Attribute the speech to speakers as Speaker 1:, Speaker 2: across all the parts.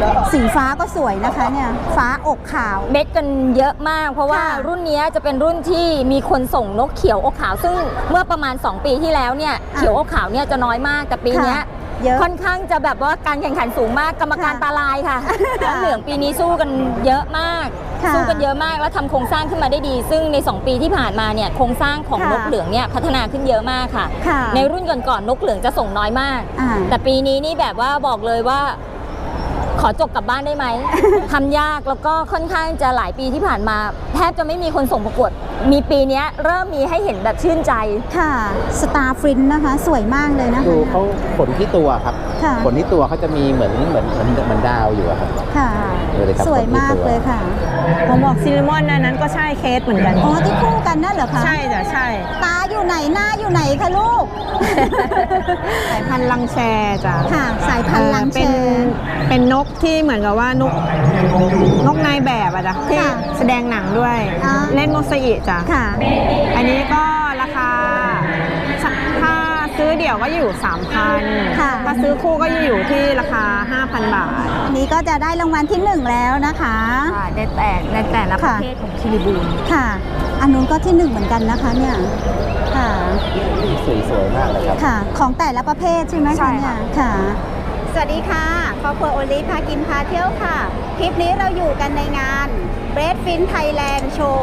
Speaker 1: สีฟ้าก็สวยนะคะเนี่ยฟ้าอกขาว
Speaker 2: เม็ดกันเยอะมากเพราะว่ารุ่นนี้จะเป็นรุ่นที่มีคนส่งนกเขียวอกขาวซึ่งเมื่อประมาณ2 ปีที่แล้วเนี่ยเขียวอกขาวเนี่ยจะน้อยมากแต่ปีนี้ค่อนข้างจะแบบว่าการแข่งขันสูงมากกรรมการตาลายค่ะน้องเหลืองปีนี้สู้กันเยอะมากแล้วทำโครงสร้างขึ้นมาได้ดี ซึ่งใน2 ปีที่ผ่านมาเนี่ยโครงสร้างของนกเหลืองเนี่ยพัฒนาขึ้นเยอะมากค่ะในรุ่นก่อนๆนกเหลืองจะส่งน้อยมากแต่ปีนี้นี่แบบว่าบอกเลยว่าขอจบกลับบ้านได้ไหม ทำยากแล้วก็ค่อนข้างจะหลายปีที่ผ่านมาแทบจะไม่มีคนส่งประกวดมีปีนี้เริ่มมีให้เห็นแบบชื่นใจ
Speaker 1: ค่ะสตาร์ฟรินนะคะสวยมากเลยนะคะ
Speaker 3: ดูเขาขนที่ตัวครับขนที่ตัวเขาจะมีเหมือนดาวอยู่ครับ
Speaker 1: ค่ะสวยมากเลยค่ะ
Speaker 4: ผมบอกซิลมอนนั้นก็ใช่เคสเหมือนกัน
Speaker 1: อ๋อที่คู่กันนั่นเหรอคะ
Speaker 4: ใช่จ้ะใช่
Speaker 1: ตาอยู่ไหนหน้าอยู่ไหนคะลูก
Speaker 4: สายพันธุ์ลังแชจ้ะ
Speaker 1: ค่ะสายพันธุ์ลังแช
Speaker 4: เป็นนกที่เหมือนกับว่านกนายแบบอะจ้ะที่แสดงหนังด้วยเล่นโมซาอิจ้ะอันนี้ก็ราคาถ้าซื้อเดี่ยวก็อยู่ 3,000 ถ้าซื้อคู่ก็อยู่ที่ราคา 5,000 บาท
Speaker 1: อันนี้ก็จะได้รางวัลที่1แล้วนะคะ
Speaker 2: ในแต่ละประเภทของคิริบูล
Speaker 1: ค่ะอันนู้นก็ที่1เหมือนกันนะคะเนี่ยค่ะ
Speaker 3: สวยมากเลยครับ
Speaker 1: ค่ะของแต่ละประเภทใช่ไหมคะเนี่ยค่ะสวัสดีค่ะครอบครัวโอลิพากินพาเที่ยวค่ะคลิปนี้เราอยู่กันในงาน Breadfin Thailand Show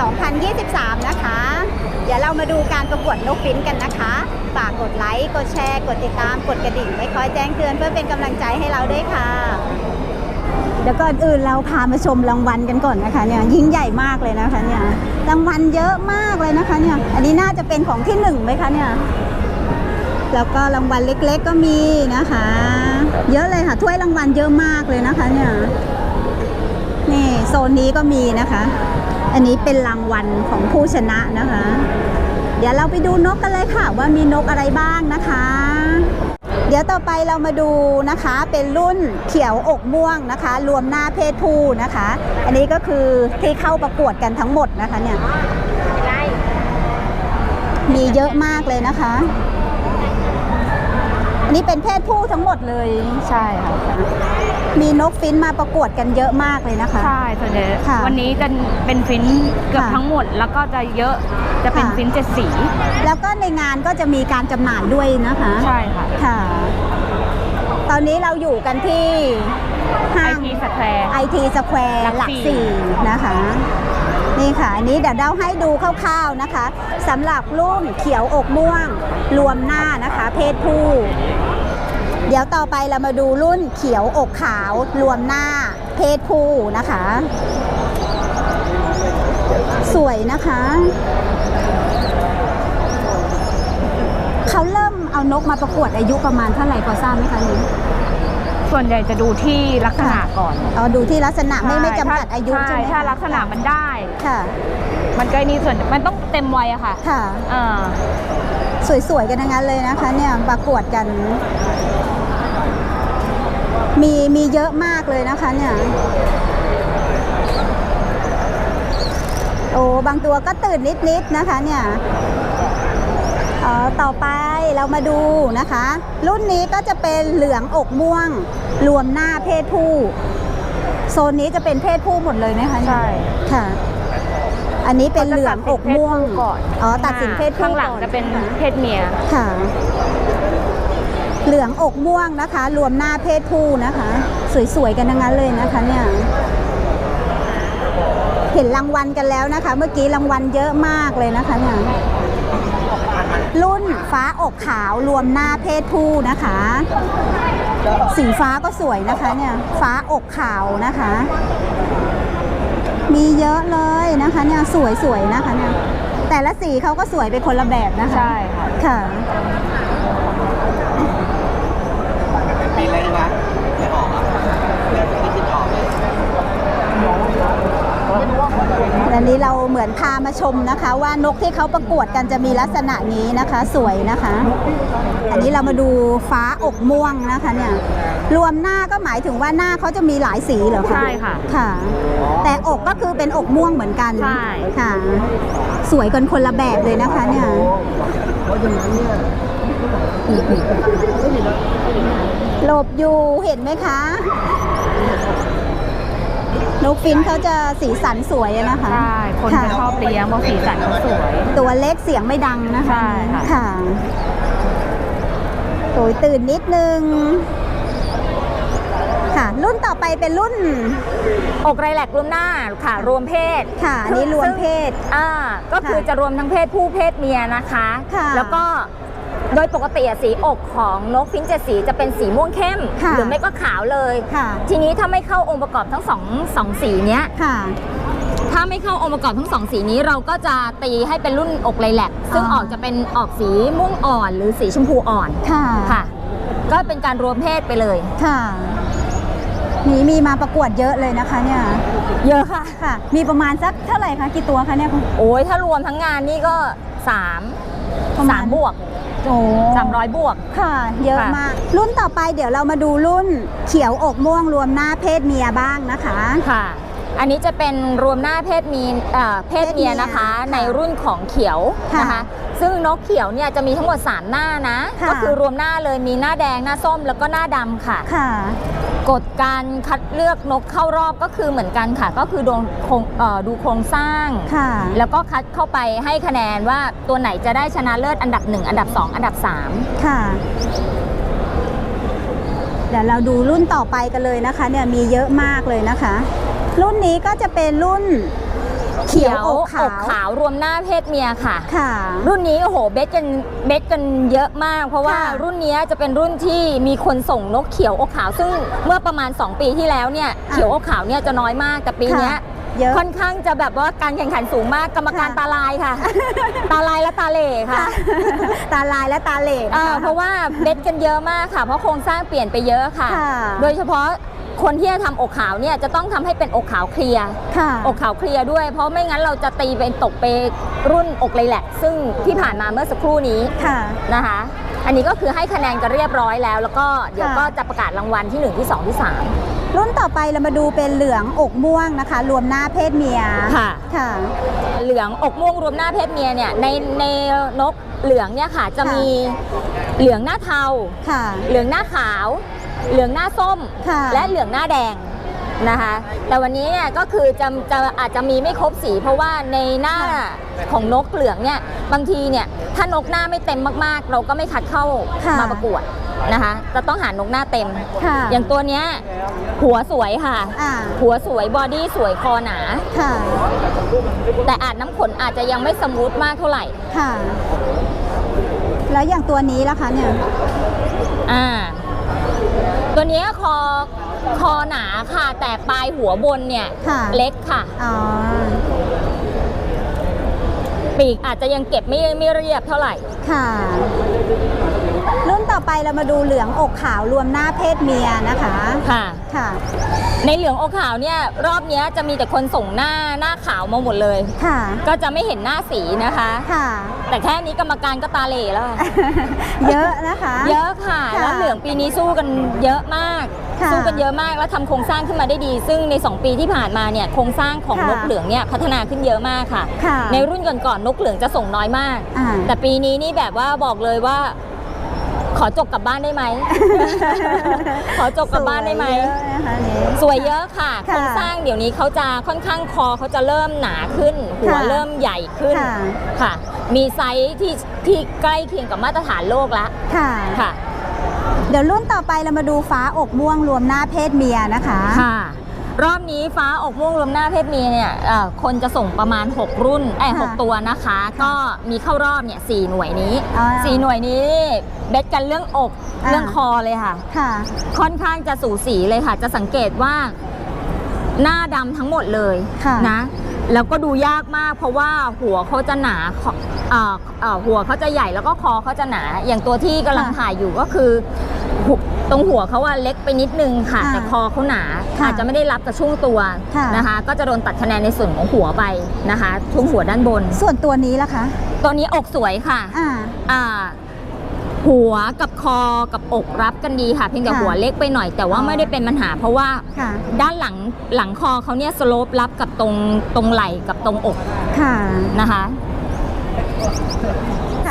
Speaker 1: 2023 นะคะเดี๋ยวเรามาดูการประกวดนกฟินกันนะคะฝากกดไลค์กดแชร์กดติดตามกดกระดิ่งไว้คอยแจ้งเตือนเพื่อเป็นกำลังใจให้เราด้วยค่ะเดี๋ยวก่อนอื่นเราพามาชมรางวัลกันก่อนนะคะเนี่ยยิ่งใหญ่มากเลยนะคะเนี่ยรางวัลเยอะมากเลยนะคะเนี่ยอันนี้น่าจะเป็นของที่1ไหมคะเนี่ยแล้วก็รางวัลเล็กๆก็มีนะคะเยอะเลยค่ะถ้วยรางวัลเยอะมากเลยนะคะเนี่ยนี่โซนนี้ก็มีนะคะอันนี้เป็นรางวัลของผู้ชนะนะคะเดี๋ยวเราไปดูนกกันเลยค่ะว่ามีนกอะไรบ้างนะคะเดี๋ยวต่อไปเรามาดูนะคะเป็นรุ่นเขียวอกม่วงนะคะรวมหน้าเพศผู้นะคะอันนี้ก็คือที่เข้าประกวดกันทั้งหมดนะคะเนี่ยมีเยอะมากเลยนะคะอันนี้เป็นเพศผู้ทั้งหมดเลย
Speaker 2: ใช่ค่ะ
Speaker 1: มีนกฟินมาประกวดกันเยอะมากเลยนะคะ
Speaker 2: ใช่ส่วนใหญ่วันนี้จะเป็นฟินเกือบทั้งหมดแล้วก็จะเยอะจะเป็นฟิน7 สี
Speaker 1: แล้วก็ในงานก็จะมีการจำหน่ายด้วยนะคะ
Speaker 2: ใช่ค่ะ
Speaker 1: ค่ะตอนนี้เราอยู่กันที่ห้าง IT Square หลัก4นะคะนี่ค่ะอันนี้เดี๋ยวเราให้ดูคร่าวๆนะคะสำหรับรุ่นเขียวอกม่วงรวมหน้านะคะเพศผู้เดี๋ยวต่อไปเรามาดูรุ่นเขียวอกขาวรวมหน้าเพศผู้นะคะสวยนะคะเขาเริ่มเอานกมาประกวดอายุประมาณเท่าไหร่พอทราบไหมคะนี่
Speaker 2: ส่วนใหญ่จะดูที่ลักษณะก่อน
Speaker 1: ดูที่ลักษณะไม่จำกัดอายุใช่ไหม
Speaker 2: ถ้าลักษณะมันได้
Speaker 1: ค่ะ
Speaker 2: มันก็นี่ส่วนมันต้องเต็มวัยอะค่ะ
Speaker 1: ค่ะสวยๆกันทั้งนั้นเลยนะคะเนี่ยประกวดกันมีเยอะมากเลยนะคะเนี่ยโอ้บางตัวก็ตื่นนิดๆนะคะเนี่ยต่อไปเรามาดูนะคะรุ่นนี้ก็จะเป็นเหลืองอกม่วงรวมหน้าเพศผู้โซนนี้จะเป็นเพศผู้หมดเลยนะคะ
Speaker 2: ใช่
Speaker 1: ค่ะอันนี้เป็นเหลืองอกม่วงตัดสินเพศผู้
Speaker 2: ข้างหลังจะเป็นเพศเมีย
Speaker 1: ค่ะเหลืองอกม่วงนะคะรวมหน้าเพศผู้นะคะสวยๆกันทั้งนั้นเลยนะคะเนี่ยเห็นรางวัลกันแล้วนะคะเมื่อกี้รางวัลเยอะมากเลยนะคะเนี่ยรุ่นฟ้าอกขาวรวมหน้าเพศผู้นะคะสีฟ้าก็สวยนะคะเนี่ยฟ้าอกขาวนะคะมีเยอะเลยนะคะเนี่ยสวยๆนะคะเนี่ยแต่ละสีเขาก็สวยเป็นคนละแบบนะคะ
Speaker 2: ใช่ค่ะ
Speaker 1: ค่ะ
Speaker 3: มีอะไรนะไม่ออกอ่ะไม่คิดออกเลย
Speaker 1: อันนี้เราเหมือนพามาชมนะคะว่านกที่เขาประกวดกันจะมีลักษณะนี้นะคะสวยนะคะอันนี้เรามาดูฟ้าอกม่วงนะคะเนี่ยรวมหน้าก็หมายถึงว่าหน้าเขาจะมีหลายสีเหรอคะ
Speaker 2: ใช่ค่ะ
Speaker 1: ค่ะแต่อกก็คือเป็นอกม่วงเหมือนกัน
Speaker 2: ใช่
Speaker 1: ค่ะสวยกันคนละแบบเลยนะคะเนี่ยหลบอยู่เห็นไหมคะนกฟินช์เขาจะสีสันสวยอะนะคะ
Speaker 2: ใช่ คนจะชอบเลี้ยงเพราะสีสันเขาสวย
Speaker 1: ตัวเล็กเสียงไม่ดังนะคะ
Speaker 2: ใช่ค่ะ
Speaker 1: ค่ะโอยตื่นนิดนึงค่ะรุ่นต่อไปเป็นรุ่น
Speaker 2: อกไรแลกรวมหน้าค่ะรวมเพศ
Speaker 1: ค่ะอันนี้รวมเพศ
Speaker 2: ก็คือจะรวมทั้งเพศผู้เพศเมียนะคะ
Speaker 1: ค่ะ
Speaker 2: แล้วก็โดยปกติอะสีอกของนกฟินช์7สีจะเป็นสีม่วงเข้ม
Speaker 1: ค่ะ
Speaker 2: หรือไม่ก็ขาวเลย
Speaker 1: ค่ะ
Speaker 2: ทีนี้ถ้าไม่เข้าองค์ประกอบทั้งสองสีเนี้ย
Speaker 1: ค่ะ
Speaker 2: ถ้าไม่เข้าองค์ประกอบทั้งสองสีนี้เราก็จะตีให้เป็นรุ่นอกไรแลกซึ่งออกจะเป็นออกสีม่วงอ่อนหรือสีชมพูอ่อน
Speaker 1: ค่ะ
Speaker 2: ค่ะ ก็เป็นการรวมเพศไปเลย
Speaker 1: ค่ะนี่มีมาประกวดเยอะเลยนะคะเนี่ย
Speaker 2: เยอะค่ะ
Speaker 1: ค่ะ มีประมาณสักเท่าไหร่คะกี่ตัวคะเนี่ย
Speaker 2: โอ้ยถ้ารวมทั้งงานนี่ก็3
Speaker 1: ประมาณ
Speaker 2: บวก
Speaker 1: โอ้
Speaker 2: 300 บวก
Speaker 1: ค่ะ เยอะ
Speaker 2: ค่ะ
Speaker 1: มาก รุ่นต่อไปเดี๋ยวเรามาดูรุ่นเขียวอกม่วงรวมหน้าเพศเมียบ้างนะคะ
Speaker 2: ค่ะ อันนี้จะเป็นรวมหน้าเพศเมียนะคะ
Speaker 1: ค่ะ
Speaker 2: ในรุ่นของเขียว
Speaker 1: ค่ะ
Speaker 2: นะคะ ซึ่งนกเขียวเนี่ยจะมีทั้งหมด3หน้านะ
Speaker 1: ค่ะ
Speaker 2: ก็คือรวมหน้าเลยมีหน้าแดงหน้าส้มแล้วก็หน้าดำค่ะ
Speaker 1: ค่ะ
Speaker 2: กฎการคัดเลือกนกเข้ารอบก็คือเหมือนกันค่ะ ก็คือดูโครงสร้าง
Speaker 1: ค่ะ
Speaker 2: แล้วก็คัดเข้าไปให้คะแนนว่าตัวไหนจะได้ชนะเลิศอันดับ 1 อันดับ 2 อันดับ 3
Speaker 1: ค่ะ เดี๋ยวเราดูรุ่นต่อไปกันเลยนะคะ เนี่ยมีเยอะมากเลยนะคะ รุ่นนี้ก็จะเป็นรุ่นเขียวอกขาว
Speaker 2: รวมหน้าเพศเมียค่ะ
Speaker 1: ค่ะ
Speaker 2: รุ่นนี้โอ้โหเบสกันเยอะมาก เพราะว่า
Speaker 1: ค่ะ
Speaker 2: รุ่นนี้จะเป็นรุ่นที่มีคนส่งนกเขียวอกขาว ซึ่งเมื่อประมาณ 2 ปีที่แล้วเนี่ยเขียวอกขาวเนี่ยจะน้อยมากแต่ปีเนี้ย
Speaker 1: เยอะ
Speaker 2: ค่อนข้างจะแบบว่าการแข่งขันสูงมากกรรมการ
Speaker 1: ค่ะ
Speaker 2: ตาลายค่ะ ตาลายและตาเหล่ค่ะ
Speaker 1: ตาลายและตาเหล่นะคะ
Speaker 2: เพราะว่าเบสกันเยอะมากค่ะ เพราะโครงสร้างเปลี่ยนไปเยอะค่ะ
Speaker 1: ค่ะ
Speaker 2: โดยเฉพาะคนที่จะทำอกขาวเนี่ยจะต้องทำให้เป็นอกขาวเคลียร์
Speaker 1: ค่ะ
Speaker 2: อกขาวเคลียร์ด้วย เพราะไม่งั้นเราจะตีเป็นตกไปรุ่นอกเลยแหละ ซึ่งที่ผ่านมาเมื่อสักครู่นี้
Speaker 1: ค่ะ
Speaker 2: นะคะ อันนี้ก็คือให้คะแนนกันเรียบร้อยแล้ว แล้วก็เดี๋ยวก็จะประกาศรางวัลที่ 1 ที่ 2 ที่
Speaker 1: รุ่นต่อไปเรามาดูเป็นเหลืองอกม่วงนะคะ รวมหน้าเพศเมีย
Speaker 2: ค่ะ
Speaker 1: ค่ะ
Speaker 2: 3 เหลืองอกม่วงรวมหน้าเพศเมียเนี่ยในนกเหลืองเนี่ยค่ะจะมีเหลืองหน้าเทา
Speaker 1: ค่ะ
Speaker 2: เหลืองหน้าขาว เหลืองหน้าส้ม
Speaker 1: ค่ะ
Speaker 2: และเหลืองหน้าแดงนะคะ แต่วันนี้เนี่ยก็คือจะอาจจะมีไม่ครบสี เพราะว่าในหน้าของนกเหลืองเนี่ยบางทีเนี่ยถ้านกหน้าไม่เต็มมากๆ เราก็ไม่คัดเข้า
Speaker 1: ค่ะ
Speaker 2: มาประกวดนะคะจะต้องหานกหน้าเต็ม
Speaker 1: ค่ะ
Speaker 2: อย่างตัวเนี้ยหัวสวยค่ะ
Speaker 1: อ่า
Speaker 2: หัวสวยบอดี้สวยคอหนา
Speaker 1: ค่ะ
Speaker 2: แต่อาจน้ำขนอาจจะยังไม่สมูทมากเท่าไหร่
Speaker 1: ค่ะ แล้วอย่างตัวนี้ล่ะคะเนี่ย
Speaker 2: ตัวเนี้ยคอหนาค่ะ แต่ปลายหัวบนเนี่ย
Speaker 1: ค่ะ
Speaker 2: เล็กค่ะ
Speaker 1: อ๋อ
Speaker 2: ปีกอาจจะยังเก็บไม่เรียบเท่าไหร่
Speaker 1: ค่ะ รุ่นต่อไปเรามาดูเหลืองอกขาวรวมหน้าเพศเมียนะคะ
Speaker 2: ค่ะ
Speaker 1: ค่ะ
Speaker 2: ในเหลืองอกขาวเนี่ยรอบเนี้ยจะมีแต่คนส่งหน้าขาวมาหมดเลย
Speaker 1: ค่ะ
Speaker 2: ก็จะไม่เห็นหน้าสีนะคะ
Speaker 1: ค่ะ
Speaker 2: แต่แค่นี้กรรมการก็ตาเหล่แล้วค่ะ
Speaker 1: เยอะนะคะ
Speaker 2: เยอะค่ะ
Speaker 1: ค่ะ
Speaker 2: แล้วเหลืองปีนี้สู้กันเยอะมาก
Speaker 1: ค่ะ
Speaker 2: สู้กันเยอะมากแล้วทำโครงสร้างขึ้นมาได้ดี ซึ่งใน 2 ปีที่ผ่านมาเนี่ยโครงสร้างของ
Speaker 1: ค่ะ
Speaker 2: นกเหลืองเนี่ยพัฒนาขึ้นเยอะมากค่ะ
Speaker 1: ค่ะ
Speaker 2: ในรุ่นก่อนๆนกเหลืองจะส่งน้อยมาก
Speaker 1: อ่า
Speaker 2: แต่ปีนี้นี่แบบว่าบอกเลยว่า ขอจบกลับบ้านได้ไหม ขอจบกลับบ้านได้ไหม
Speaker 1: สวยเยอะนะคะนี่
Speaker 2: สวยเยอะค่ะ
Speaker 1: ค่ะ
Speaker 2: โครงสร้างเดี๋ยวนี้เขาจะค่อนข้างคอเขาจะเริ่มหนาขึ้น หัว
Speaker 1: ค่ะ
Speaker 2: เริ่มใหญ่ขึ้น
Speaker 1: ค่ะ
Speaker 2: ค่ะ มีไซส์ที่ใกล้เคียงกับมาตรฐานโลกแล้ว
Speaker 1: ค่ะ
Speaker 2: ค่ะ
Speaker 1: เดี๋ยวรุ่นต่อไปเรามาดูฟ้าอกม่วงรวมหน้าเพศเมียนะคะ
Speaker 2: ค่ะ รอบนี้ฟ้าอกม่วงรวมหน้าเพศเมียเนี่ยคนจะส่งประมาณ6รุ่น6ตัวนะคะ ก็มีเข้ารอบเนี่ย4หน่วยนี้
Speaker 1: อ่า
Speaker 2: 4หน่วยนี้เบ็ดกันเรื่องอก
Speaker 1: อ่า
Speaker 2: เรื่องคอเลยค่ะ
Speaker 1: ค่ะ
Speaker 2: ค่อนข้างจะสูสีเลยค่ะ จะสังเกตว่าหน้าดำทั้งหมดเลย
Speaker 1: ค่ะ
Speaker 2: นะ แล้วก็ดูยากมากเพราะว่าหัวเขาจะหนาหัวเขาจะใหญ่แล้วก็คอเขาจะหนา อย่างตัวที่กำลังถ่ายอยู่ก็คือตรงหัวเขาว่าเล็กไปนิดนึงค่ะ
Speaker 1: ค่ะ
Speaker 2: แต่คอเขาหนา
Speaker 1: ค่ะ
Speaker 2: อาจจะไม่ได้รับกระชุ่งตัว
Speaker 1: ค่ะ
Speaker 2: นะคะ ก็จะโดนตัดคะแนนในส่วนของหัวไปนะคะช่วงหัวด้านบน
Speaker 1: ส่วนตัวนี้ล่ะคะ
Speaker 2: ตัวนี้อกสวยค่ะ
Speaker 1: อ่า
Speaker 2: หัวกับคอกับอกรับกันดีค่ะ เพียงแต่
Speaker 1: ค่ะ
Speaker 2: หัวเล็กไปหน่อยแต่ว่า
Speaker 1: อ๋อ
Speaker 2: ไม่ได้เป็นปัญหา เพราะว่า
Speaker 1: ค่ะ
Speaker 2: ด้านหลังคอเขาเนี่ยสโลปรับกับตรงไหล่กับตรงอก
Speaker 1: ค่ะ
Speaker 2: นะคะ
Speaker 1: ค่ะ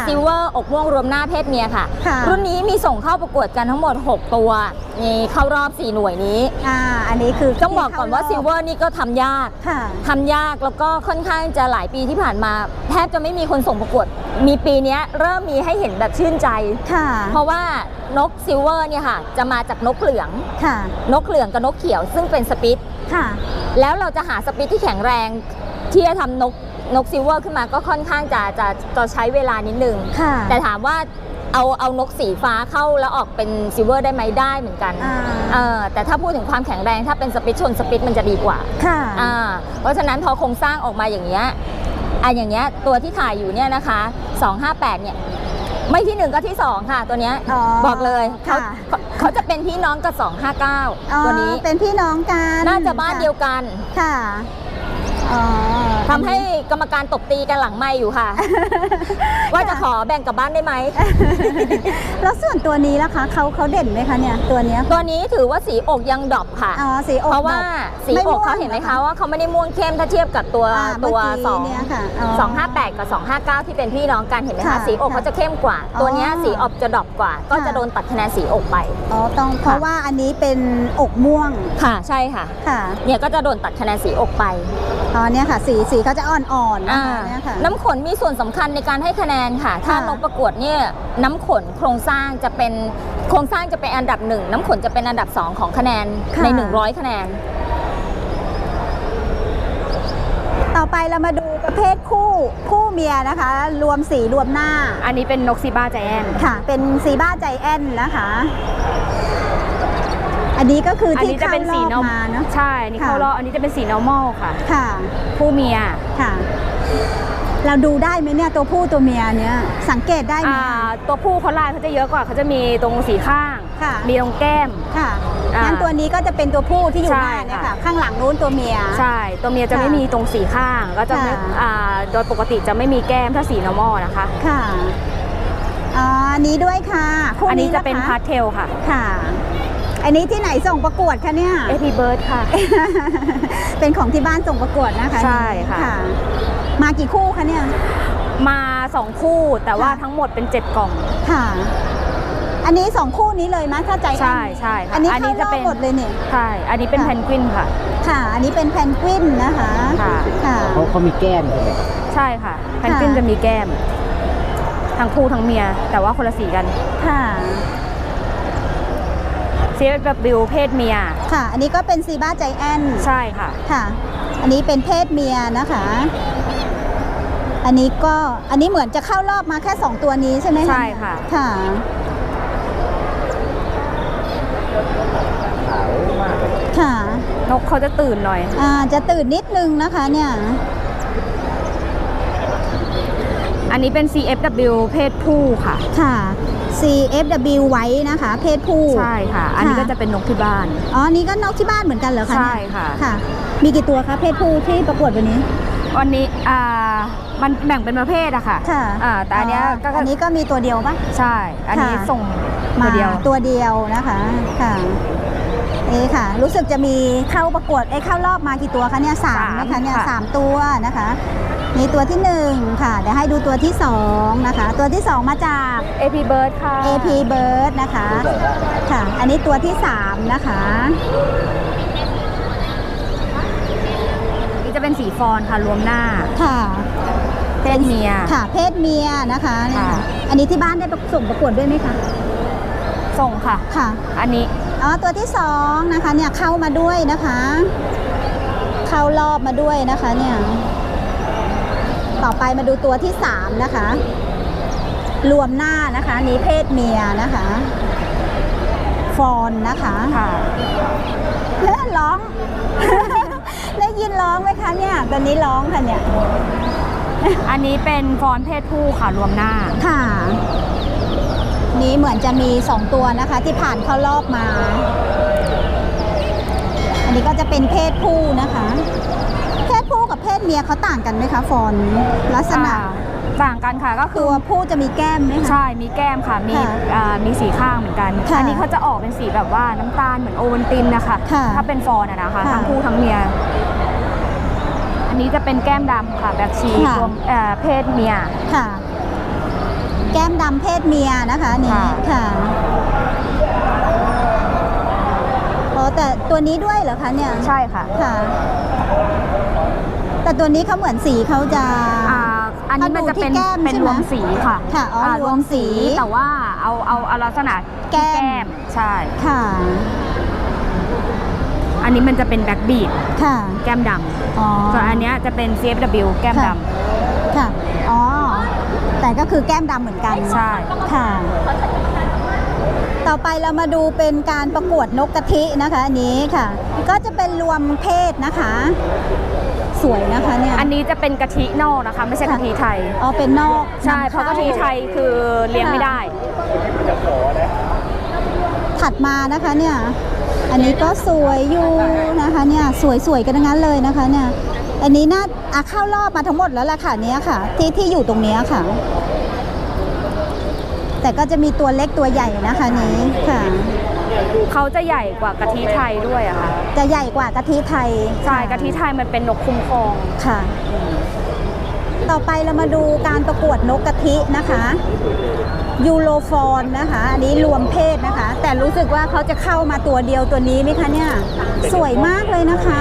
Speaker 2: ซิลเวอร์อกม่วงรวมหน้าเพศเมียค่ะ
Speaker 1: ค่ะ
Speaker 2: รุ่นนี้มีส่งเข้าประกวดกันทั้งหมด 6 ตัวนี่เข้ารอบ 4 หน่วยนี้
Speaker 1: อันนี้คือ
Speaker 2: ต้องบอกก่อนว่าซิลเวอร์นี่ก็ทำยาก
Speaker 1: ค่ะ
Speaker 2: ทำยากแล้วก็ค่อนข้างจะหลายปีที่ผ่านมาแทบจะไม่มีคนส่งประกวด มีปีนี้เริ่มมีให้เห็นแบบชื่นใจ
Speaker 1: ค่ะ
Speaker 2: เพราะว่านกซิลเวอร์เนี่ยค่ะจะมาจากนกเหลือง
Speaker 1: ค่ะ
Speaker 2: นกเหลืองกับนกเขียวซึ่งเป็นสปิต
Speaker 1: ค่ะ
Speaker 2: แล้วเราจะหาสปิตที่แข็งแรงที่จะทำนกซิลเวอร์ขึ้นมาก็ค่อนข้างจะใช้เวลานิดนึง
Speaker 1: ค่ะ
Speaker 2: แต่ถามว่าเอานกสีฟ้าเข้าแล้วออกเป็นซิลเวอร์ได้ไหมได้เหมือนกัน แต่ถ้าพูดถึงความแข็งแรงถ้าเป็นสปิตชนสปิตมันจะดีกว่า
Speaker 1: ค่ะ
Speaker 2: เพราะฉะนั้นพอโครงสร้างออกมาอย่างเงี้ยอย่างเงี้ยตัวที่ถ่ายอยู่เนี่ยนะคะ258เนี่ยไม่ที่1ก็ที่2ค่ะตัวเนี้ย บอกเลยเขาจะเป็นพี่น้องกับ259ตัวนี้
Speaker 1: เป็นพี่น้องกัน
Speaker 2: น่าจะบ้านเดียวกัน
Speaker 1: ค่ะ
Speaker 2: ทำให้กรรมการตบตีกันหลังไมค์อยู่ค่ะ ว่าจะขอแบ่งกลับบ้านได้ไหม
Speaker 1: แล้วส่วนตัวนี้ล่ะคะเขาเด่นไหมคะเนี่ยตัวเนี้ย
Speaker 2: ตัวนี้ถือว่าสีอกยังดรอปค่ะ
Speaker 1: สีอก
Speaker 2: เพราะว่าสีอกเขาเห็นไหมคะว่าเขาไม่ได้ม่วงเข้มถ้าเทียบกับตัว258 กับ 259 ที่เป็นพี่น้องกันเห็นไหมคะสีอกเขาจะเข้มกว่า ตัวเนี้ยสีออกจะดรอปกว่า ก็จะโดนตัดคะแนนสีอกไป
Speaker 1: ต้องเพราะว่าอันนี้เป็นอกม่วง
Speaker 2: ค่ะใช่ค่ะเนี่ยก็จะโดนตัดคะแนนสีอกไป
Speaker 1: เนี่ยค่ะสีเขาจะอ่อนๆนะคะเนี่ยค่ะ
Speaker 2: น้ำขนมีส่วนสำคัญในการให้คะแนนค่ะถ้านกประกวดเนี่ยน้ำขนโครงสร้างจะเป็นอันดับ1น้ำขนจะเป็นอันดับ2ของคะแนนใน100คะแนน
Speaker 1: ต่อไปเรามาดูประเภทคู่เมียนะคะ รวมสีรวมหน้า
Speaker 2: อันนี้เป็นนกซีบ้าใจแอน
Speaker 1: ค่ะเป็นซีบ้าใจแอนนะคะอันนี้ก็คือที่เข้ารอบมาเนาะ
Speaker 2: ใช่นี่เข้ารอบอันนี้จะเป็นสี normal ค่ะ
Speaker 1: ค่ะ
Speaker 2: ผู้เมีย
Speaker 1: ค่ะเราดูได้ไหมเนี่ยตัวผู้ตัวเมียเนี่ยสังเกตได้ไหม
Speaker 2: ตัวผู้เขาลายเขาจะเยอะกว่าเขาจะมีตรงสีข้างมีตรงแก้ม
Speaker 1: ค่ะงั้นตัวนี้ก็จะเป็นตัวผู้ที่อยู่หน้าเนี่ยค่ะข้างหลังนู้นตัวเมีย
Speaker 2: ใช่ตัวเมียจะไม่มีตรงสีข้างก็จะโดยปกติจะไม่มีแก้มถ้าสี normal นะคะ
Speaker 1: ค่ะอันนี้ด้วยค่ะ
Speaker 2: อันนี้จะเป็นพาสเทลค่ะ
Speaker 1: ค่ะอันนี้ที่ไหนส่งประกวดคะเนี่ย
Speaker 2: AP Bird ค่ะ
Speaker 1: เป็นของที่บ้านส่งประกวดนะคะ
Speaker 2: ใช่ค่ะ
Speaker 1: มากี่คู่คะเนี่ย
Speaker 2: มา2คู่แต่ว่าทั้งหมดเป็น7กล่อง
Speaker 1: ค่ะอันนี้2คู่นี้เลยมั้ยถ้าใจ
Speaker 2: ใช่ใช่ค่ะ
Speaker 1: อันนี้จะเป็นหมดเลยเนี่ย
Speaker 2: ใช่อันนี้เป็นแพนกวินค่ะ
Speaker 1: ค่ะอันนี้เป็นแพนกวินนะคะ
Speaker 3: ค่ะเขามีแก้มใช่ไหม
Speaker 2: ใช่ค่ะแพนกวินจะมีแก้มทั้งคู่ทั้งเมียแต่ว่าคนละสีกัน
Speaker 1: ค่ะ
Speaker 2: CFW เพศเมีย
Speaker 1: ค่ะอันนี้ก็เป็นซีบ้าใจแอน
Speaker 2: ใช่ค่ะ
Speaker 1: ค่ะอันนี้เป็นเพศเมียนะคะอันนี้เหมือนจะเข้ารอบมาแค่2ตัวนี้ใช่ไหม
Speaker 2: ใช่ค่ะ
Speaker 1: ค่ะค่ะ
Speaker 2: นกเขาจะตื่นหน่อย
Speaker 1: จะตื่นนิดนึงนะคะเนี่ย
Speaker 2: อันนี้เป็น CFW เพศผู้ค่ะ
Speaker 1: ค่ะ CFW ไว้นะคะเพศผู้
Speaker 2: ใช่ค่ะอันนี้ก็จะเป็นนกที่บ้าน
Speaker 1: นี่ก็นกที่บ้านเหมือนกันเหรอคะ
Speaker 2: ใช่ค่ะ
Speaker 1: ค่ะมีกี่ตัวคะเพศผู้ที่ประกวดวันนี้
Speaker 2: มันแบ่งเป็นประเภทอะค่ะแต่อันนี้
Speaker 1: ก็มีตัวเดียวปะ
Speaker 2: ใช่อันนี้ส่งตัวเดียว
Speaker 1: นะคะค่ะค่ะรู้สึกจะมีเข้าประกวดเข้ารอบมากี่ตัวคะเนี่ย3นะคะเนี่ย3ตัวนะคะมีตัวที่1ค่ะเดี๋ยวให้ดูตัวที่2นะคะตัวที่2มาจาก
Speaker 2: AP Bird ค่ะ
Speaker 1: AP Bird นะคะค่ะอันนี้ตัวที่3นะคะ
Speaker 2: นี่จะเป็นสีฟอนค่ะรวมหน้า
Speaker 1: ค่ะ
Speaker 2: เพศเมีย
Speaker 1: ค่ะเพศเมียนะคะอันนี้ที่บ้านได้ส่งประกวดด้วยไหมคะ
Speaker 2: ส่งค่ะ
Speaker 1: ค่ะ
Speaker 2: อันนี้
Speaker 1: ตัวที่2นะคะเนี่ยเข้ามาด้วยนะคะเข้ารอบมาด้วยนะคะเนี่ยต่อไปมาดูตัวที่3นะคะรวมหน้านะคะนี้เพศเมียนะคะฟอนนะคะ
Speaker 2: ค่ะ
Speaker 1: ร้อง ได้ยินร้องไหมคะเนี่ยตอนนี้ร้องค่ะเนี่ย
Speaker 2: อันนี้เป็นฟอนเพศผู้ค่ะรวมหน้า
Speaker 1: ค่ะนี้เหมือนจะมี2ตัวนะคะที่ผ่านเข้ารอบมาอันนี้ก็จะเป็นเพศผู้นะคะเพศผู้กับเพศเมียเขาต่างกันไหมคะฟอนลักษณะ
Speaker 2: ต่างกันค่ะก็คือ
Speaker 1: ตัวผู้จะมีแก้มไหมคะ
Speaker 2: ใช่มีแก้มค่ะมีสีข้างเหมือนกันอันนี้เขาจะออกเป็นสีแบบว่าน้ำตาลเหมือนโอวัลตินนะคะถ้าเป็นฟอนนะคะทั้งผู้ทั้งเมียอันนี้จะเป็นแก้มดำค่ะแบล็คชีรวมเพศเมีย
Speaker 1: ค่ะแก้มดำเพศเมียนะคะอันนี้ค่ะอ๋อแต่ตัวนี้ด้วยเหรอคะเนี่ย
Speaker 2: ใช่ค่ะ
Speaker 1: ค่ะ แต่ตัวนี้เขาเหมือนสีเขาจะ
Speaker 2: อันนี้มันจะเป็น
Speaker 1: ถ้าดูที่แก้ม
Speaker 2: เป็น
Speaker 1: ใช่ไหม
Speaker 2: รวมสีค่ะ
Speaker 1: ค่ะอ๋อรวมสี
Speaker 2: แต่ว่าเอาลักษณะที่
Speaker 1: แก้ม
Speaker 2: ใช่
Speaker 1: ค่ะ
Speaker 2: อันนี้มันจะเป็นแบ็กบีด
Speaker 1: ค่ะ
Speaker 2: แก้มด
Speaker 1: อ๋อ
Speaker 2: ำส่วนอันเนี้ยจะเป็น CFW แก้มด
Speaker 1: ค่ะอ๋อแต่ก็คือแก้มดำเหมือนกัน
Speaker 2: ำใช่
Speaker 1: ค่ะ ต่อไปเรามาดูเป็นการประกวดนกกะทินะคะอันนี้ค่ะ ก็จะเป็นรวมเพศนะคะ สวยนะคะเนี่ย
Speaker 2: อันนี้จะเป็นกะทินอกนะคะ ไม่ใช่กะทิไทย
Speaker 1: อ๋อเป็นนอก
Speaker 2: ใช่เพราะกะทิไทยคือเลี้ยงไม่ได้
Speaker 1: ถัดมานะคะเนี่ย อันนี้ก็สวยอยู่นะคะเนี่ยสวยๆกันทั้งนั้นเลยนะคะเนี่ย อันนี้น่าเข้ารอบมาทั้งหมดแล้วล่ะค่ะเนี้ยค่ะ ที่อยู่ตรงเนี้ยค่ะ แต่ก็จะมีตัวเล็กตัวใหญ่นะคะนี้ค่ะ
Speaker 2: เขาจะใหญ่กว่ากะทิไทยด้วยอะค่ะ
Speaker 1: จะใหญ่กว่ากะทิไทย
Speaker 2: ใช่กะทิไทยมันเป็นนกคุ้มครอง
Speaker 1: ค่ะ ต่อไปเรามาดูการประกวดนกกะทินะคะยูโรฟอนนะคะ อันนี้รวมเพศนะคะ แต่รู้สึกว่าเขาจะเข้ามาตัวเดียวตัวนี้ไหมคะเนี่ยสวยมากเลยนะคะ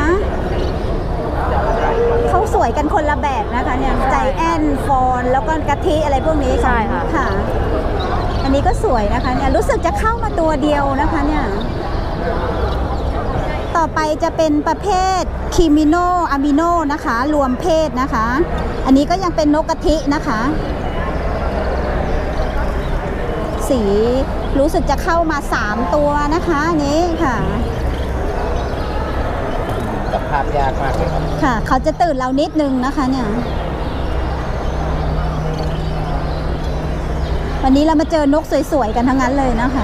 Speaker 1: เขาสวยกันคนละแบบนะคะเนี่ยใจแอนฟอนแล้วก็กะทิอะไรพวกนี้
Speaker 2: ใช่ค่ะ
Speaker 1: ค่ะ อันนี้ก็สวยนะคะเนี่ยรู้สึกจะเข้ามาตัวเดียวนะคะเนี่ยต่อไปจะเป็นประเภทคิมิโนอะมิโนนะคะรวมเพศนะคะ อันนี้ก็ยังเป็นนกกะทินะคะ สีรู้สึกจะเข้ามา3ตัวนะคะอันนี้ค่ะ
Speaker 3: จับภาพยากมากเลยครับ
Speaker 1: ค่ะ เขาจะตื่นเรานิดนึงนะคะเนี่ยวันนี้เรามาเจอนกสวยๆกันทั้งนั้นเลยนะคะ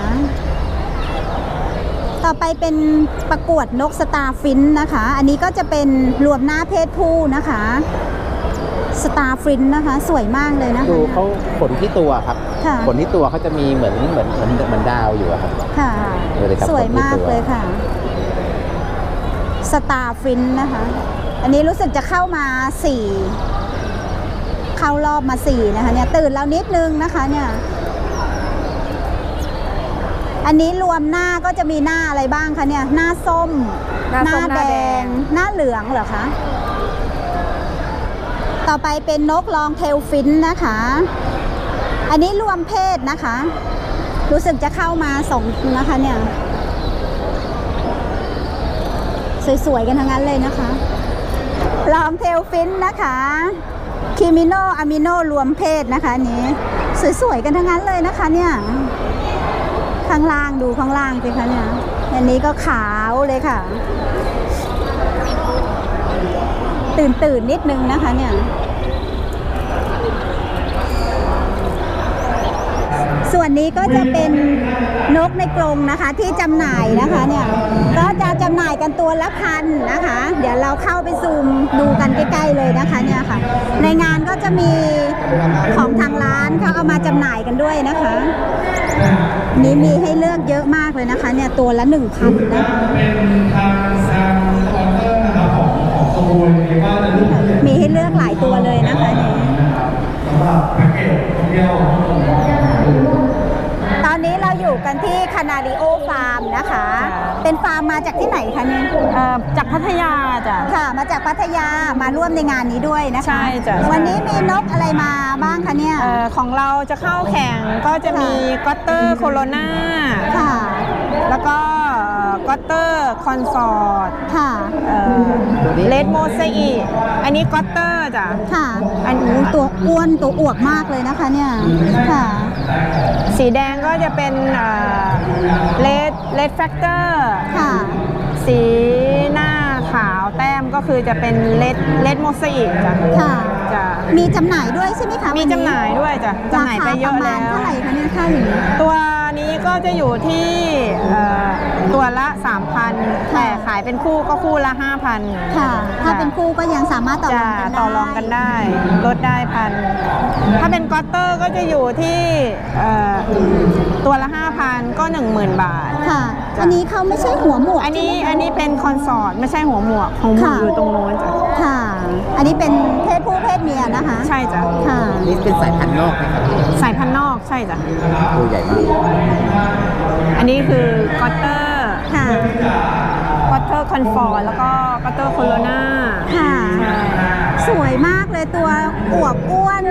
Speaker 1: ต่อไปเป็นประกวดนกสตาร์ฟินช์นะคะ อันนี้ก็จะเป็นรวมหน้าเพศผู้นะคะสตาร์ฟินช์นะคะ สวยมากเลยนะคะ
Speaker 3: ดูเขาขนที่ตัวครับ
Speaker 1: ค่ะ
Speaker 3: ขนที่ตัวเขาจะมีเหมือนดาวอยู่อะครับ
Speaker 1: ค่ะ
Speaker 3: ดูเลยครับ
Speaker 1: สวยมาก
Speaker 3: ขนที่ตัว
Speaker 1: เลยค่ะสตาร์ฟินช์นะคะ อันนี้รู้สึกจะเข้ามา4เข้ารอบมา4นะคะเนี่ยตื่นเรานิดนึงนะคะเนี่ยอันนี้รวมหน้าก็จะมีหน้าอะไรบ้างคะเนี่ยหน้าส้ม
Speaker 2: หน้าส้มหน้าแดง
Speaker 1: หน้าเหลืองเหรอคะต่อไปเป็นนกลองเทลฟินช์นะคะ อันนี้รวมเพศนะคะ รู้สึกจะเข้ามา2นะคะเนี่ยสวยๆกันทั้งนั้นเลยนะคะลองเทลฟินช์นะคะคิมิโนอะมิโนรวมเพศนะคะอันนี้สวยๆกันทั้งนั้นเลยนะคะเนี่ยข้างล่างดูข้างล่างสิคะเนี่ยอันนี้ก็ขาวเลยค่ะตื่นนิดนึงนะคะเนี่ยส่วนนี้ก็จะเป็นนกในกรงนะคะที่จำหน่ายนะคะเนี่ยก็จะจำหน่ายกันตัวละ1,000นะคะเดี๋ยวเราเข้าไปซูมดูกันใกล้ๆเลยนะคะเนี่ยค่ะในงานก็จะมีของทางร้านเขาเอามาจำหน่ายกันด้วยนะคะนี้มีให้เลือกเยอะมากเลยนะคะเนี่ยตัวละ 1,000 นะคะมีให้เลือกหลายตัวเลยนะคะเนี่ยตอนนี้เราอยู่กันที่คานาริโอฟาร์มนะคะ เป็นฟาร์มมาจากที่ไหนคะเนี่ย
Speaker 4: จากพัทยาจ้ะ
Speaker 1: ค่ะ มาจากพัทยามาร่วมในงานนี้ด้วยนะคะ
Speaker 4: ใช่จ้ะ
Speaker 1: วันนี้มีนกอะไรมาบ้างคะเนี่ย
Speaker 4: ของเราจะเข้าแข่งก็จะมีก็อตเตอร์โคโรนา
Speaker 1: ค่ะ
Speaker 4: แล้วก็ก็อตเตอร์คอนสอร์ต
Speaker 1: ค่ะ
Speaker 4: เลดโมเซอีอันนี้ก็อตเตอร์จ้ะ
Speaker 1: ค่ะอันนี้ตัวอ้วนตัวอวบมากเลยนะคะเนี่ยค่ะ
Speaker 4: สีแดงก็จะเป็นเลดแฟกเตอร์
Speaker 1: ค่ะ
Speaker 4: สีหน้าขาวแต้มก็คือจะเป็นเลดโมเซอีจ้ะ
Speaker 1: ค่ะ
Speaker 4: จ้ะ
Speaker 1: มีจำหน่ายด้วยใช่ไหมคะ
Speaker 4: มีจำหน่ายด้วยจ้ะจำหน่ายไปเยอะ
Speaker 1: ราคาประมา
Speaker 4: แล้
Speaker 1: ณ
Speaker 4: ว
Speaker 1: เท่าไหร่คะเนี่ยค่าอย่างนี้
Speaker 4: ตัวนี้ก็จะอยู่ที่ตัวละ 3,000 แต่ขายเป็นคู่ก็คู่ละ 5,000
Speaker 1: ค่ะ ถ้าเป็นคู่ก็ยังสามารถต่อร
Speaker 4: จะ
Speaker 1: องกันได้
Speaker 4: ต่อรองกันได้ลดได้1,000ถ้าเป็นก็อตเตอร์ก็จะอยู่ที่ตัวละ 5,000 ก็ 10,000 บาท
Speaker 1: ค่ะอันนี้เขาไม่ใช่หัวหมวก
Speaker 4: อันนี้
Speaker 1: ใช่ไหมคะ
Speaker 4: อันนี้เป็นคอนสอร์ตไม่ใช่หัวหมวกของหมวก
Speaker 1: ค่ะ
Speaker 4: อยู่ตรงโน้นจ้ะ
Speaker 1: ค่ะ อันนี้เป็นเพศผู้เพศเมียนะคะ
Speaker 4: ใช่จ้ะ
Speaker 1: ค่ะ
Speaker 3: นี่เป็นสายพันธุ์นอกนะครับ
Speaker 4: สายพันธุ์นอกใช่จ้ะ
Speaker 3: ตัวใหญ่มาก
Speaker 4: อันนี้คือกอตเตอร์
Speaker 1: ค่ะ
Speaker 4: กอตเตอร์คอนฟอร์แล้วก็กอตเตอร์โคโรนา
Speaker 1: ค่ะ
Speaker 4: ใช่
Speaker 1: สวยมากเลยตัวอวบอ้วน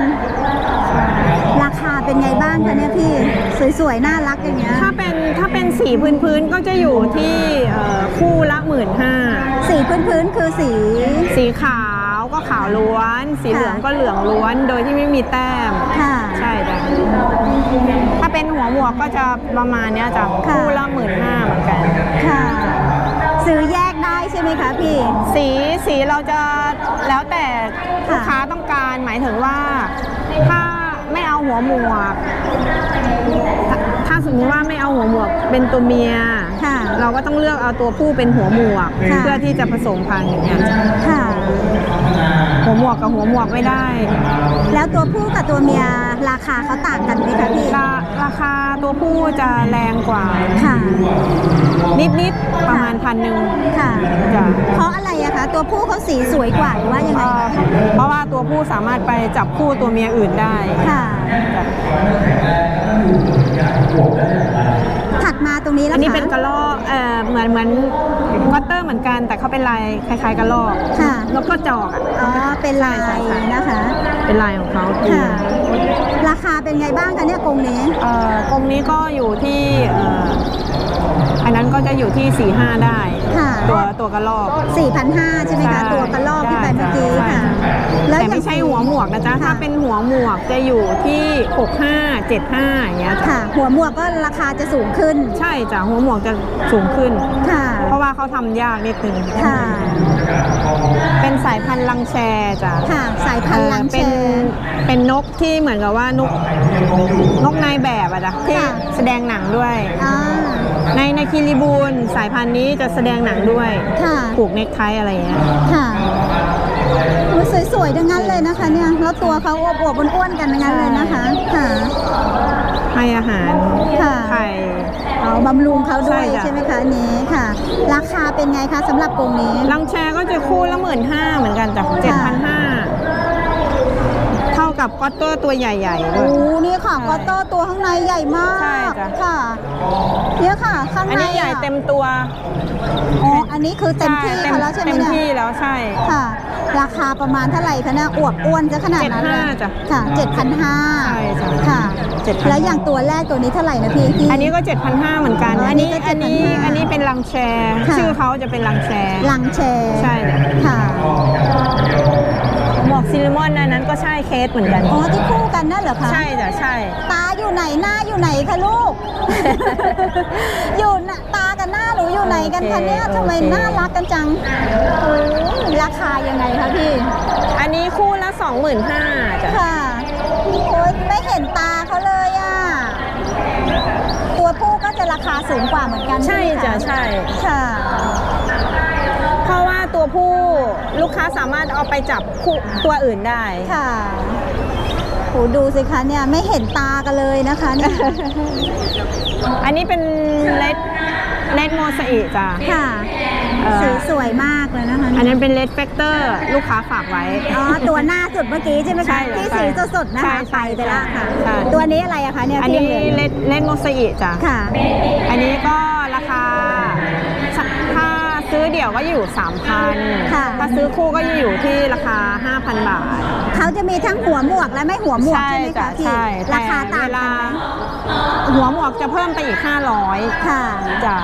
Speaker 1: ราคาเป็นไงบ้างคะเนี่ยพี่ สวยๆ น่ารักอย่างเงี้ย
Speaker 4: ถ้าเป็นสีพื้นๆก็จะอยู่ที่คู่ละ15,000
Speaker 1: สีพื้นๆคือสี
Speaker 4: สีขาวก็ขาวล้วน สีเหลืองก็เหลืองล้วน โดยที่ไม่มีแต้ม
Speaker 1: ค่ะ
Speaker 4: ใช่จ้ะถ้าเป็นหัวหมวกก็จะประมาณเนี้ยจ้ะ
Speaker 1: ค่ะ
Speaker 4: คู่ละ15,000เหมือนกัน
Speaker 1: ค่ะ ซื้อแยกได้ใช่ไหมคะพี่
Speaker 4: สีเราจะแล้วแต่ลูกค้าต้องการ หมายถึงว่าถ้าไม่เอาหัวหมวก ถ้าสมมติว่าไม่เอาหัวหมวกเป็นตัวเมีย
Speaker 1: ค่ะ
Speaker 4: เราก็ต้องเลือกเอาตัวผู้เป็นหัวหมวก
Speaker 1: ค่ะ
Speaker 4: เพื่อที่จะผสมพันธุ์อย่างเงี้ย
Speaker 1: ค่ะ
Speaker 4: หัวหมวกกับหัวหมวกไม่ได้
Speaker 1: แล้วตัวผู้กับตัวเมียราคาเขาต่างกันไหมคะพี่
Speaker 4: ราคาตัวผู้จะแรงกว่า
Speaker 1: ค่ะ
Speaker 4: นิดๆประมาณ1,000
Speaker 1: ค่ะ
Speaker 4: จ้ะ
Speaker 1: เพราะอะไรอะคะ ตัวผู้เขาสีสวยกว่าหรือว่ายังไงคะ
Speaker 4: เพราะว่าตัวผู้สามารถไปจับคู่ตัวเมียอื่นได้
Speaker 1: ค่ะ ถัดมาตรงนี้แล้ว
Speaker 4: อันนี้
Speaker 1: คะ
Speaker 4: เป็นกระรอกเหมือนกอตเตอร์เหมือนกัน แต่เขาเป็นลายคล้ายๆกระรอก
Speaker 1: ค่ะ
Speaker 4: แล้วก็จอกอ่ะ
Speaker 1: อ๋อ เป็นลาย
Speaker 4: ใช่ใช่
Speaker 1: นะคะ
Speaker 4: เป็นลายของเขา
Speaker 1: ค่ะ ราคาเป็นไงบ้างคะเนี่ยกรงนี้
Speaker 4: กรงนี้ก็อยู่ที่อันนั้นก็จะอยู่ที่4-5ได้
Speaker 1: ค่ะ
Speaker 4: ตัวกระรอก
Speaker 1: 4,500ใช่ไหมคะ
Speaker 4: ใช่
Speaker 1: ตัวกระลอกที่ไปเมื่อกี้
Speaker 4: ใช่
Speaker 1: ค่ะ
Speaker 4: แต่
Speaker 1: อย่าง
Speaker 4: ไม่ใช่หัวหมวกนะจ๊ะ
Speaker 1: ค่ะ
Speaker 4: ถ้าเป็นหัวหมวกจะอยู่ที่65-75อย่างเงี้ยจ้ะ
Speaker 1: ค่ะ หัวหมวกก็ราคาจะสูงขึ้น
Speaker 4: ใช่จ้ะหัวหมวกจะสูงขึ้น
Speaker 1: ค่ะ
Speaker 4: เพราะว่าเขาทำยากนิดนึง
Speaker 1: ค่ะ
Speaker 4: เป็นสายพันธุ์ลังแชจ้ะ
Speaker 1: ค่ะ สายพันธุ์ลังแช
Speaker 4: เป็นนกที่เหมือนกับว่านกนายแบบอะจ้ะที่
Speaker 1: ค่ะ
Speaker 4: แสดงหนังด้วย
Speaker 1: อ่า
Speaker 4: ในคิริบูลสายพันธุ์นี้จะแสดงหนังด้วย
Speaker 1: ค่ะ
Speaker 4: ผูกเนคไทอะไรอย่างเงี้ย
Speaker 1: ค่ะโอ้สวยๆทั้งนั้นเลยนะคะเนี่ย แล้วตัวเขาอวบๆอ้วนๆกันทั้งนั้นเลยนะคะ ค่ะ
Speaker 4: ให้อาหาร
Speaker 1: ค่ะ
Speaker 4: ไข่
Speaker 1: เอาบำรุงเขาด้วย
Speaker 4: ใช่จ้ะ
Speaker 1: ใช่ไหมคะอันนี้ค่ะ ราคาเป็นไงคะสำหรับกรงนี้
Speaker 4: ลังแชก็จะคู่ละ15,000เหมือนกันจ้ะ
Speaker 1: ค่ะ
Speaker 4: 7,500 เท่ากับก็อตเตอร์ตัวใหญ่ๆด้
Speaker 1: โอ้
Speaker 4: วย
Speaker 1: นี่ค่ะก็โตตัวข้างในใหญ่มาก
Speaker 4: ใช่จ้ะ
Speaker 1: ค่ะเนี่ยค่ะ ข้างใน
Speaker 4: อันนี้ใหญ่เต็มตัว
Speaker 1: อ๋ออันนี้คือเต็มที่
Speaker 4: ใช่
Speaker 1: เขาแล้วใช่ไหม
Speaker 4: เต็ม
Speaker 1: เนี่ย
Speaker 4: ที่แล้วใช่
Speaker 1: ค่ะ ราคาประมาณเท่าไหร่คะเนี่ยอวบอ้วนจะขนาดนั้นเลย
Speaker 4: 7,500จ้ะ
Speaker 1: ค่ะ 7,500
Speaker 4: ใช่จ้ะ
Speaker 1: ค่ะ
Speaker 4: 7,500
Speaker 1: แล้วอย่างตัวแรกตัวนี้เท่าไหร่นะพี่ที่
Speaker 4: อันนี้ก็ 7,500เหมือนกัน
Speaker 1: อ๋ออันนี้ก็
Speaker 4: อันนี้
Speaker 1: 7,500
Speaker 4: อันนี้เป็นลังแชร์
Speaker 1: ค่ะ
Speaker 4: ชื่อเขาจะเป็นลังแชร์
Speaker 1: ลังแชร์
Speaker 4: ใช่จ้ะ
Speaker 1: ค่ะ
Speaker 4: หมวกซิลลิมอนอันนั้นก็ใช่เคสเหมือนกัน
Speaker 1: อ๋อที่คู่กันนั่นเหรอคะ
Speaker 4: ใช่จ้ะใช่
Speaker 1: ตาอยู่ไหนหน้าอยู่ไหนคะลูก อยู่น่ะตากับหน้าหนูอยู่ไหนกันคะเนี่ย
Speaker 4: โอเค
Speaker 1: ทำไมน่ารักกันจังโอ้ยราคายังไงคะพี่
Speaker 4: อันนี้คู่ละ 25,000จ้ะ
Speaker 1: ค่ะโอ้ยไม่เห็นตาเขาเลยอ่ะ ตัวผู้ก็จะราคาสูงกว่าเหมือนกัน
Speaker 4: ใช่
Speaker 1: ไหมค
Speaker 4: จ้ะใช่
Speaker 1: ค่ะ
Speaker 4: เพราะว่าตัวผู้ลูกค้าสามารถเอาไปจับคู่ตัวอื่นได้
Speaker 1: ค่ะโหดูสิคะเนี่ยไม่เห็นตากันเลยนะคะเนี่ย
Speaker 4: อันนี้เป็นเลดโมซาอิจ้ะ
Speaker 1: ค่ะ สีสวยมากเลยนะคะ
Speaker 4: อันนั้นเป็นเลดแฟกเตอร์ลูกค้าฝากไว้
Speaker 1: อ๋อ ตัวหน้าสุดเมื่อกี้ใช่ไหม
Speaker 4: ใช่
Speaker 1: คะ ที่
Speaker 4: ใช่
Speaker 1: สีสดๆนะคะ
Speaker 4: ใช่
Speaker 1: ไปไปละค่ะ
Speaker 4: ใช่
Speaker 1: ตัวนี้อะไรอะคะเนี่ย
Speaker 4: อัน
Speaker 1: ที่
Speaker 4: นี้
Speaker 1: ยังเหลืออยู่
Speaker 4: เลดโมซาอิจ้ะ
Speaker 1: ค่ะ
Speaker 4: อันนี้ก็ราคาถ้าซื้อเดี่ยวก็อยู่ 3,000
Speaker 1: ค่ะ
Speaker 4: ถ้าซื้อคู่ก็จะอยู่ที่ราคา 5,000 บาท
Speaker 1: เขาจะมีทั้งหัวหมวกและไม่หัวหมวกใช่ไหม
Speaker 4: จ้ะ
Speaker 1: คะพี่
Speaker 4: ใช่
Speaker 1: ราคาต่าง
Speaker 4: เว
Speaker 1: กัน
Speaker 4: ลา
Speaker 1: ไหม
Speaker 4: หัวหมวกจะเพิ่มไปอีก 500
Speaker 1: ค่ะ
Speaker 4: จ้ะ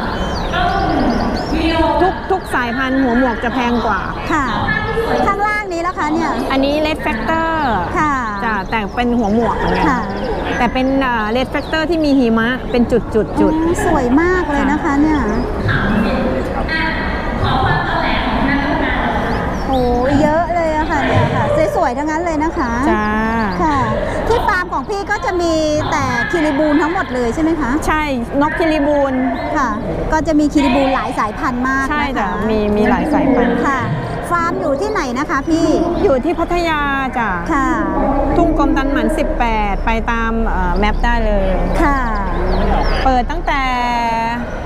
Speaker 4: ทุกสายพันธุ์หัวหมวกจะแพงกว่า
Speaker 1: ค่ะ ข้างล่างนี้แล้วคะเนี่ย
Speaker 4: อันนี้เลดแฟกเตอร์
Speaker 1: ค่ะ
Speaker 4: จ้ะแต่เป็นหัวหมวกเหมือนกัน
Speaker 1: ค่ะ
Speaker 4: แต่เป็นเลดแฟกเตอร์ที่มีหิมะเป็นจุด
Speaker 1: สวยมากเลยนะคะเนี่ยโอ้เยอะเลยอะค่ะเนี่ยค่ะสวยๆทั้งนั้นเลยนะคะ
Speaker 4: จ้า
Speaker 1: ค่ะ ที่ฟาร์มของพี่ก็จะมีแต่คิริบูลทั้งหมดเลยใช่ไหมคะ
Speaker 4: ใช่นกคิริบูล
Speaker 1: ค่ะ ก็จะมีคิริบูลหลายสายพันธุ์มาก
Speaker 4: ใช่
Speaker 1: นะ
Speaker 4: จ้ะ
Speaker 1: คะ
Speaker 4: มีหลายสายพันธุ์
Speaker 1: ค่ะ ฟาร์มอยู่ที่ไหนนะคะพี่
Speaker 4: อยู่ที่พัทยาจ้ะ
Speaker 1: ค่ะ
Speaker 4: ทุ่งกรมตันหมัน 18 ไปตามแมปได้เลย
Speaker 1: ค่ะ
Speaker 4: เปิดตั้งแต่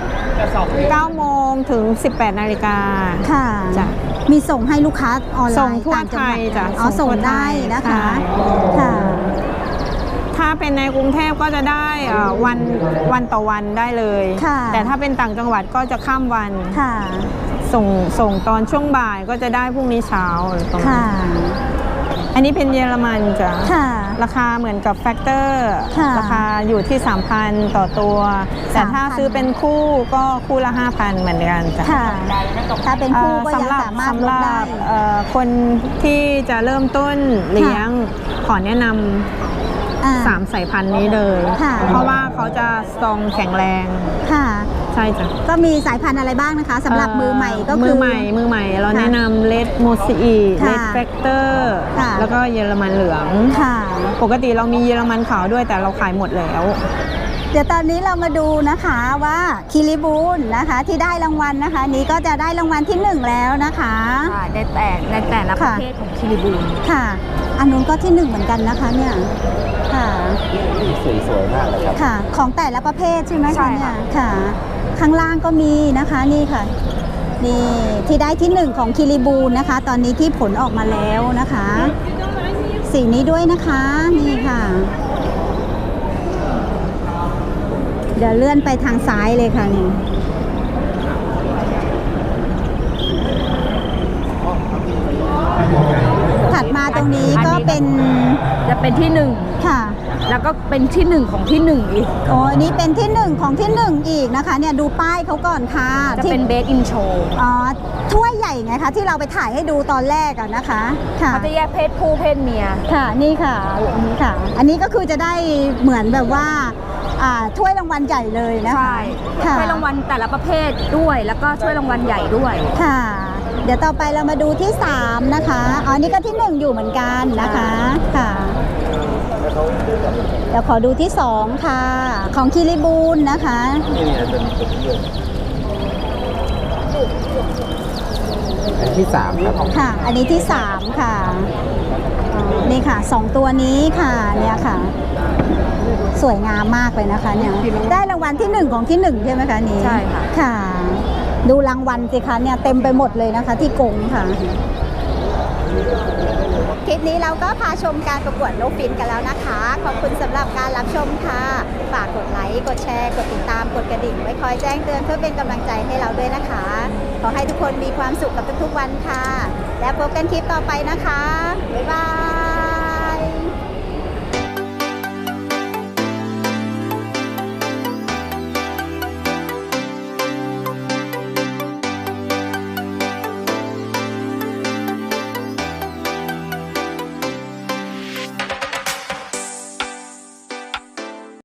Speaker 4: 9 โมงถึง 18 นาฬิกา
Speaker 1: ค่ะ
Speaker 4: จ้ะ
Speaker 1: มีส่งให้ลูกค้าออนไลน์
Speaker 4: ส่งทั่ว
Speaker 1: ต่างจังหวัด
Speaker 4: ไทยจ้ะ
Speaker 1: อ๋อ
Speaker 4: ส่
Speaker 1: ส่
Speaker 4: ง
Speaker 1: ง
Speaker 4: ทั่วไท
Speaker 1: ได้
Speaker 4: ย
Speaker 1: นะคะ
Speaker 4: ใช่
Speaker 1: ค่ะ
Speaker 4: ถ้าเป็นในกรุงเทพก็จะได้วันต่อวันได้เลย
Speaker 1: ค่ะ
Speaker 4: แต่ถ้าเป็นต่างจังหวัดก็จะข้ามวัน
Speaker 1: ค่ะ
Speaker 4: ส่งตอนช่วงบ่ายก็จะได้พรุ่งนี้เช้าอะไรประมาณ
Speaker 1: ค่ะ
Speaker 4: อันนี้เป็นเยอรมันจ้ะ
Speaker 1: ค่ะ
Speaker 4: ราคาเหมือนกับแฟกเตอร์
Speaker 1: ค่ะ
Speaker 4: ราคาอยู่ที่ 3,000 ต่อตัว แต่ถ้า
Speaker 1: 3,000
Speaker 4: ซื้อเป็นคู่ก็คู่ละ 5,000 เหมือนกันจ้ะ
Speaker 1: ค่ะ ถ้าเป็นคู่ก็ยังสามารถลดได้
Speaker 4: คนที่จะเริ่มต้นเลี้ยงขอแนะนำ 3 สายพันธุ์นี้เลย
Speaker 1: ค่ะ
Speaker 4: เพราะว่าเขาจะสตรองแข็งแรง
Speaker 1: ค่ะ
Speaker 4: ใช่จ้ะ
Speaker 1: ก็มีสายพันธุ์อะไรบ้างนะคะสำหรับมือใหม่ก็คือ
Speaker 4: มือใหม่เราแนะนำเลดโมซีอี
Speaker 1: ค่ะ
Speaker 4: เลดแฟกเตอร์
Speaker 1: ค่ะ
Speaker 4: แล้วก็เยอรมันเหลือง
Speaker 1: ค่ะ
Speaker 4: ปกติเรามีเยอรมันขาวด้วยแต่เราขายหมดแล้ว
Speaker 1: เดี๋ยวตอนนี้เรามาดูนะคะว่าคิริบูลนะคะที่ได้รางวัลนะคะ นี้ก็จะได้รางวัลที่ 1 แล้วนะคะ
Speaker 2: ค่ะในแต่ละประเภทของคิริบูล
Speaker 1: ค่ะ อันนู้นก็ที่ 1เหมือนกันนะคะเนี่ยค่ะ
Speaker 3: สวยๆมากเลยครับ
Speaker 1: ค่ะ ของแต่ละประเภทใช่ไหม
Speaker 2: ใช่
Speaker 1: คะเนี่
Speaker 2: ค่ะ
Speaker 1: ยค่ะ ข้างล่างก็มีนะคะนี่ค่ะ นี่ที่ได้ที่ 1 ของคิริบูลนะคะ ตอนนี้ที่ผลออกมาแล้วนะคะ สีนี้ด้วยนะคะนี่ค่ะ เดี๋ยวเลื่อนไปทางซ้ายเลยค่ะนี่ถัดมาตรงนี้ก็เป็น
Speaker 2: จะเป็นที่หนึ่ง
Speaker 1: ค่ะ
Speaker 2: แล้วก็เป็นที่หนึ่งของที่หนึ่งอีก
Speaker 1: โอ้อันนี้เป็นที่ 1 ของที่ 1 อีกนะคะเนี่ยดูป้ายเขาก่อนค่ะ
Speaker 2: จะ
Speaker 1: ที่
Speaker 2: เป็นเบสอินโช
Speaker 1: อ๋อถ้วยใหญ่ไงคะที่เราไปถ่ายให้ดูตอนแรกอะนะคะค่ะ
Speaker 2: เขาจะแยกเพศผู้เพศเมีย
Speaker 1: ค่ะนี่ค่ะอันนี้ค่ะ อันนี้ก็คือจะได้เหมือนแบบว่าถ้วยรางวัลใหญ่เลยนะคะ
Speaker 2: ใช่
Speaker 1: ค่ะ
Speaker 2: ถ้วยรางวัลแต่ละประเภทด้วย แล้วก็ถ้วยรางวัลใหญ่ด้วย
Speaker 1: ค่ะ เดี๋ยวต่อไปเรามาดูที่ 3 นะคะอ๋อนี่ก็ที่ 1 อยู่เหมือนกันนะคะค่ะ เดี๋ยวขอดูที่ 2 ค่ะ ของคิริบูลนะคะ
Speaker 3: อันที่3ครับ
Speaker 1: ค่ะ อันนี้ที่ 3 ค่ะอ๋อนี่ค่ะ 2 ตัวนี้ค่ะเนี่ยค่ะ สวยงามมากเลยนะคะเนี่ยได้รางวัลที่ 1 ของที่ 1 ใช่ไหมคะนี้
Speaker 2: ใช่ค่ะ
Speaker 1: ค่ะ ดูรางวัลสิคะเนี่ยเต็มไปหมดเลยนะคะที่กรงค่ะ คลิปนี้เราก็พาชมการประกวดนกฟินกันแล้วนะคะ ขอบคุณสำหรับการรับชมค่ะ ฝากกดไลค์ กดแชร์ กดติดตาม กดกระดิ่ง ไว้คอยแจ้งเตือนเพื่อเป็นกำลังใจให้เราด้วยนะคะ ขอให้ทุกคนมีความสุขกับทุกๆวันค่ะ และพบกันคลิปต่อไปนะคะ บ๊ายบาย